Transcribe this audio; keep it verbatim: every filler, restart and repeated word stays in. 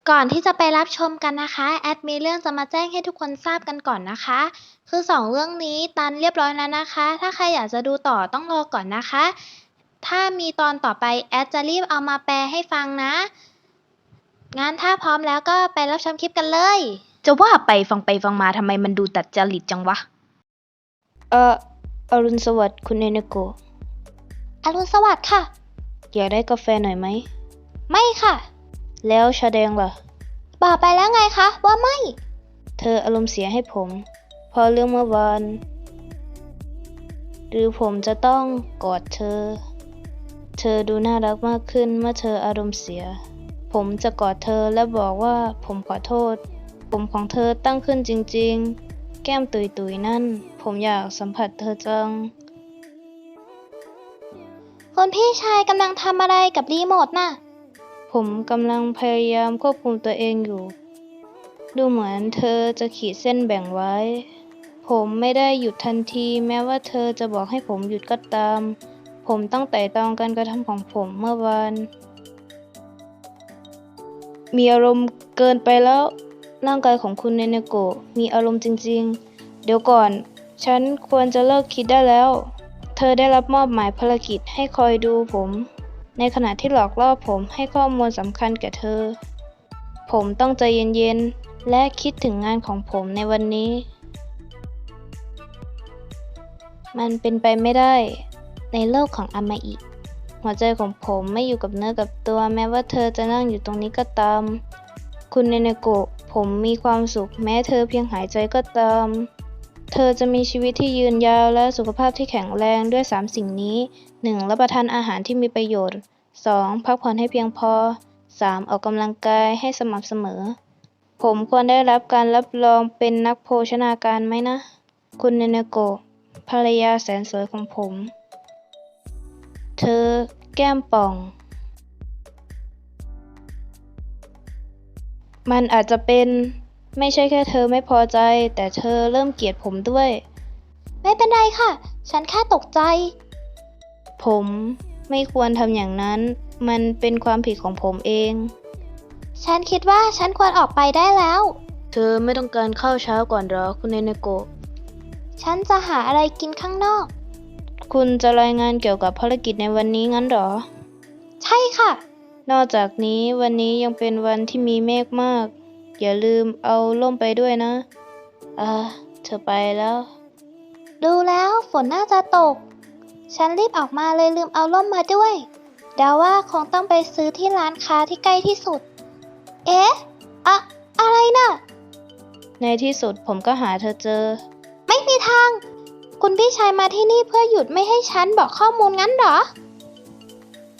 ก่อนที่จะไปรับชมกันนะคะแอดมีเรื่องจะมาแจ้งให้ทุกคนทราบกันก่อนนะคะคือสองเรื่องนี้ตันเรียบร้อยแล้วนะคะถ้าใครอยากจะดูต่อต้องรอก่อนนะคะถ้ามีตอนต่อไปแอดจะรีบเอามาแปลให้ฟังนะงั้นถ้าพร้อมแล้วก็ไปรับชมคลิปกันเลยจะว่าไปฟังไปฟังมาทำไมมันดูตัดจริตจังวะเอออรุณสวัสดิ์คุณเนเนโกะอรุณสวัสดิ์ค่ะอยากได้กาแฟหน่อยไหมไม่ค่ะแล้วชาแดงล่ะบอกไปแล้วไงคะว่าไม่เธออารมณ์เสียให้ผมเพราะเรื่องเมื่อวานหรือผมจะต้องกอดเธอเธอดูน่ารักมากขึ้นเมื่อเธออารมณ์เสียผมจะกอดเธอและบอกว่าผมขอโทษผมของเธอตั้งขึ้นจริงๆแก้มตุยๆนั่นผมอยากสัมผัสเธอจังคุณพี่ชายกำลังทำอะไรกับรีโมทน่ะผมกำลังพยายามควบคุมตัวเองอยู่ดูเหมือนเธอจะขีดเส้นแบ่งไว้ผมไม่ได้หยุดทันทีแม้ว่าเธอจะบอกให้ผมหยุดก็ตามผมต้องไต่ตรองการกระทำของผมเมื่อวานมีอารมณ์เกินไปแล้วร่างกายของคุณเนเนโกะมีอารมณ์จริงๆเดี๋ยวก่อนฉันควรจะเลิกคิดได้แล้วเธอได้รับมอบหมายภารกิจให้คอยดูผมในขณะที่หลอกล่อผมให้ข้อมูลสำคัญแก่เธอผมต้องใจเย็นๆและคิดถึงงานของผมในวันนี้มันเป็นไปไม่ได้ในโลกของอามาอิหัวใจของผมไม่อยู่กับเนื้อกับตัวแม้ว่าเธอจะนั่งอยู่ตรงนี้ก็ตามคุณเนเนโกะผมมีความสุขแม้เธอเพียงหายใจก็ตามเธอจะมีชีวิตที่ยืนยาวและสุขภาพที่แข็งแรงด้วยสามสิ่งนี้ หนึ่ง. รับประทานอาหารที่มีประโยชน์ สอง. พักผ่อนให้เพียงพอ สาม. ออกกำลังกายให้สม่ำเสมอผมควรได้รับการรับรองเป็นนักโภชนาการไหมนะคุณเนเนโกะภรรยาแสนสวยของผมเธอแก้มป่องมันอาจจะเป็นไม่ใช่แค่เธอไม่พอใจแต่เธอเริ่มเกลียดผมด้วยไม่เป็นไรค่ะฉันแค่ตกใจผมไม่ควรทำอย่างนั้นมันเป็นความผิดของผมเองฉันคิดว่าฉันควรออกไปได้แล้วเธอไม่ต้องการข้าวเช้าก่อนหรอคุณเนเนโกะฉันจะหาอะไรกินข้างนอกคุณจะรายงานเกี่ยวกับภารกิจในวันนี้งั้นหรอใช่ค่ะนอกจากนี้วันนี้ยังเป็นวันที่มีเมฆมากอย่าลืมเอาร่มไปด้วยนะอ่าเธอไปแล้วดูแล้วฝนน่าจะตกฉันรีบออกมาเลยลืมเอาร่มมาด้วยเดาว่าคงต้องไปซื้อที่ร้านค้าที่ใกล้ที่สุดเอ๊ะอะอะไรน่ะในที่สุดผมก็หาเธอเจอไม่มีทางคุณพี่ชายมาที่นี่เพื่อหยุดไม่ให้ฉันบอกข้อมูลงั้นเหรอ